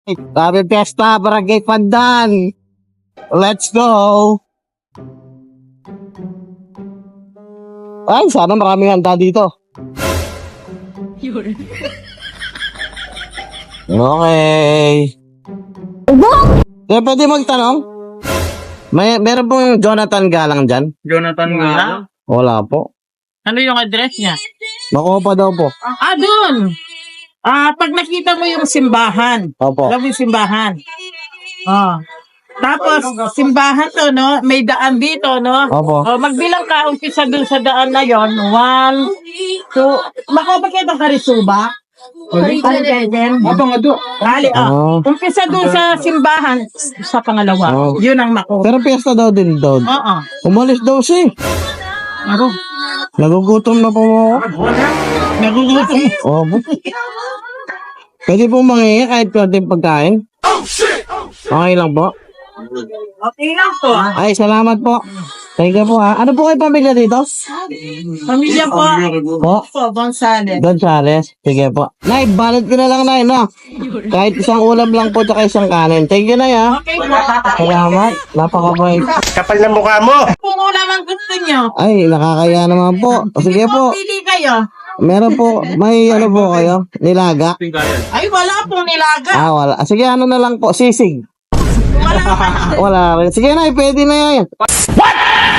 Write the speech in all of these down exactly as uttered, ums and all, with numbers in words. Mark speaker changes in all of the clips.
Speaker 1: Happy Fiesta, Barangay Pandan! Let's go! Ay, sana maraming handa dito. Okay. Kaya pwede magtanong? May, meron pong Jonathan Galang dyan?
Speaker 2: Jonathan Galang?
Speaker 1: Wala po.
Speaker 2: Ano yung address niya?
Speaker 1: Makopa daw po.
Speaker 2: Ah, doon! Ah, pag nakita mo yung simbahan.
Speaker 1: Opo.
Speaker 2: Alam mo yung simbahan? Ah. Tapos, simbahan to, no? May daan dito, no?
Speaker 1: Opo.
Speaker 2: Oh, magbilang ka, umpisa dun sa daan na yon. One, two, Makopa kayo itong Karisuba? Karisuba.
Speaker 3: Aba nga do.
Speaker 2: Kali,
Speaker 1: Oh.
Speaker 2: ah. Umpisa dun sa simbahan, sa pangalawa.
Speaker 1: Oh.
Speaker 2: Yun ang Makopa.
Speaker 1: Pero piyesta daw din daw.
Speaker 2: Oo.
Speaker 1: Umalis daw siya.
Speaker 2: Ano?
Speaker 1: Nagugutom na po ako.
Speaker 2: Nagugutom.
Speaker 1: Opo. Pwede po mangingi kahit konting pagkain. Okay lang po.
Speaker 2: Okay lang po.
Speaker 1: Ay, salamat po. Thank you po ha. Ano po kayo pamilya dito?
Speaker 2: Pamilya po.
Speaker 1: Po?
Speaker 2: Po, Gonzales.
Speaker 1: Gonzales. Sige po. Nay, balot ko na lang, Nay, no? Kahit isang ulam lang po tsaka isang kanin. Thank you, Nay, ha?
Speaker 2: Okay po.
Speaker 1: Salamat. Napakabait.
Speaker 3: Kapal ng mukha mo.
Speaker 2: Kung ulam ang gusto nyo.
Speaker 1: Ay, nakakaya naman po. Sige po.
Speaker 2: Pili kayo.
Speaker 1: Meron po, may ano po kayo? Nilaga?
Speaker 2: Ay, wala pong nilaga.
Speaker 1: Ah, wala. Sige, ano na lang po? Sisig.
Speaker 2: Wala pa.
Speaker 1: Wala rin. Sige, Nay, pwede na yan. What?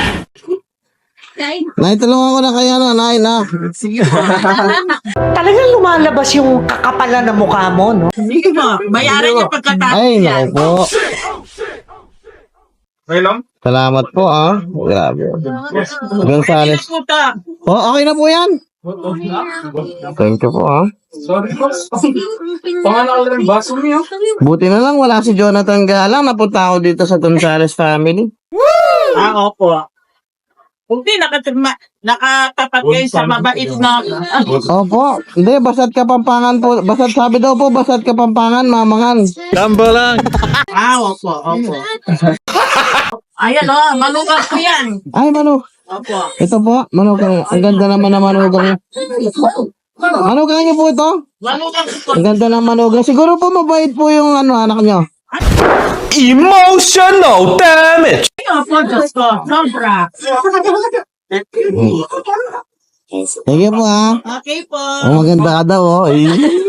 Speaker 1: Nay, tulungan ko na kayo, no? Nay, na.
Speaker 4: Talagang lumalabas yung kakapalan ng mukha mo, no?
Speaker 2: Sige po. Bayaran niyo pagkatapos
Speaker 1: Ay,
Speaker 2: yan.
Speaker 1: naku po.
Speaker 3: Okay lang?
Speaker 1: Salamat po, ah. Grabe. Gonzales.
Speaker 2: Sige po ta.
Speaker 1: Oh, okay na po yan. Thank you po, ah.
Speaker 3: Sorry po. Pangalan ka ng baso niyo.
Speaker 1: Buti na lang, wala si Jonathan Galang. Napunta ako dito sa Gonzales family.
Speaker 2: Ah, opo. Kung di nakatirma, nakatapat kayo sa mabait na...
Speaker 1: Opo. Hindi, basat Kapampangan po. Basat sabi daw po, basat Kapampangan, mamangan.
Speaker 2: Ah, opo, opo. Ayan o, oh, manugang ko yan.
Speaker 1: Ay, Manu.
Speaker 2: Opo.
Speaker 1: Ito po, manugang. Ang ganda naman na manugang niya. Manugang niyo po ito?
Speaker 2: Manugang ko.
Speaker 1: Ang ganda ng manugang. Siguro po mabait po yung ano, anak niyo.
Speaker 3: Emotional damage.
Speaker 2: Ay, opo, Diyos ko. Sobra.
Speaker 1: Sige po, ha.
Speaker 2: Okay po.
Speaker 1: Oh, maganda ka daw, oh. Eh.